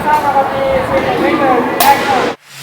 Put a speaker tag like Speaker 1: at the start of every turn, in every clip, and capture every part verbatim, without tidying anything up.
Speaker 1: สร้างความดีสิ่งหนึ่งไม่เกินแอคชั่น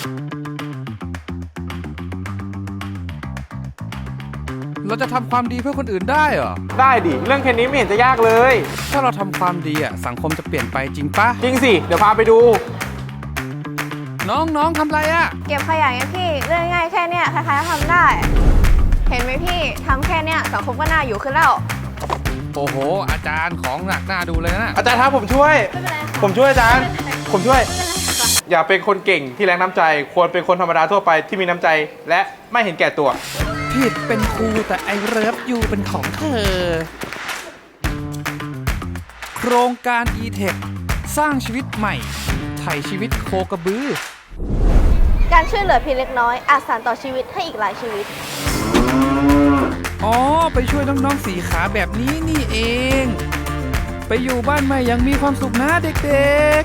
Speaker 2: เราจะทำความดีเพื่อคนอื่นได้เหรอ
Speaker 1: ได้ดิเรื่องแค่นี้ไม่เห็นจะยากเลย
Speaker 2: ถ้าเราทำความดีอ่ะสังคมจะเปลี่ยนไปจริงปะ
Speaker 1: จริงสิเดี๋ยวพาไปดู
Speaker 2: น้องน้องทำไรอ่ะ
Speaker 3: เก็บขยะไงพี่เรื่องง่ายแค่เนี้ยใครๆก็ทำได้ เห็นไหมพี่ทำแค่เนี้ยสังคมก็น่าอยู่ขึ้นแล้ว
Speaker 2: โอ้โห อาจารย์ของหนักหน้าดูเลยนะ
Speaker 1: อาจารย์ครับผมช่วย
Speaker 3: ไม่เป็นไรค่ะ
Speaker 1: ผมช่วยอาจารย์ ผมช่วย
Speaker 3: ไม่เป็นไรค่ะ
Speaker 1: อย่าเป็นคนเก่งที่แรงน้ำใจ ควรเป็นคนธรรมดาทั่วไปที่มีน้ำใจ และไม่เห็นแก่ตัว
Speaker 2: ผิดเป็นครูแต่ไอเลิฟยูเป็นของเธอ โครงการ e-tech สร้างชีวิตใหม่ไถ่ชีวิตโคกระบือ
Speaker 3: การช่วยเหลือเพียงเล็กน้อยอาจสานต่อชีวิตให้อีกหลายชีวิต
Speaker 2: อ๋อ ไปช่วยน้องๆสีขาแบบนี้นี่เอง ไปอยู่บ้านใหม่อยังมีความสุขนะเด็ก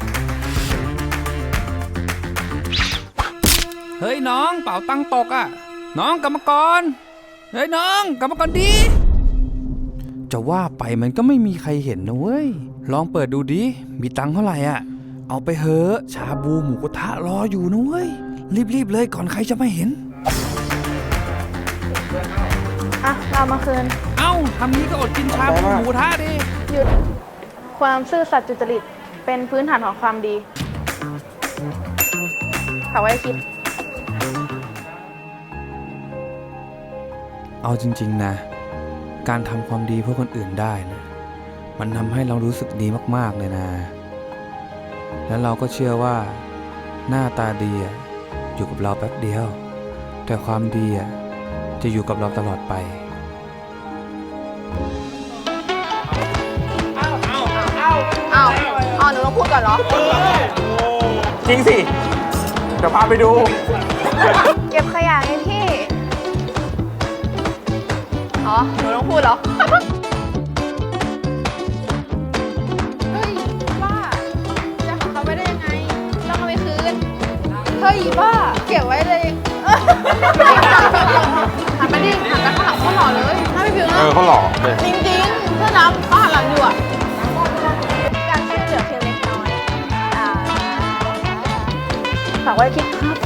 Speaker 2: ๆ เฮ้ยน้องเป่าตังตกอ่ะ น้องกรรมกร เฮ้ยน้องกรรมกรดี จะว่าไปมันก็ไม่มีใครเห็นนะเว้ย ลองเปิดดูดิ มีตังค์เท่าไหร่อ่ะ เอาไปเถอะชาบูหมูกระทะรออยู่นะเว้ย รีบๆเลยก่อนใครจะไม่เห็น
Speaker 3: อ่ะ เรามาคืน
Speaker 2: เอ้าทำนี้ก็อดกินชาบูหมูกระทะดิ
Speaker 3: หยุด ความซื่อสัตย์สุจริตเป็นพื้นฐานของความดีฝากไว้คิด
Speaker 2: เอาจริงๆนะ การทำความดีเพื่อคนอื่นได้นะมันทำให้เรารู้สึกดีมากๆเลยนะ แล้วเราก็เชื่อว่าหน้าตาดีอะอยู่กับเราแป๊บเดียว แต่ความดีอะจะอยู่กับเราตลอดไป
Speaker 3: อ้าวอ้าวหนูต้องพูดก่อนเหรอ
Speaker 1: จริงสิ เดี๋ยวพาไปดู
Speaker 3: เก็บขยะไงพี่ อ๋อ หนูต้องพูดเหรอ เฮ้ย บ้า จะของเขาไว้ได้ยังไง ต้องเอาไปคืน เฮ้ย บ้า เก็บไว้เลยหันไปดิหันไปข้างหลังเขาหล่อเลยถ้าไม่พิวนะ
Speaker 1: เออเขาหล่อเลย
Speaker 3: จริงๆเพื่อนน้ำเขาหันหลังอยู่อ่ะ การช่วยเหลือเพียงเล็กน้อยอ่าฝากไว้คิดครับ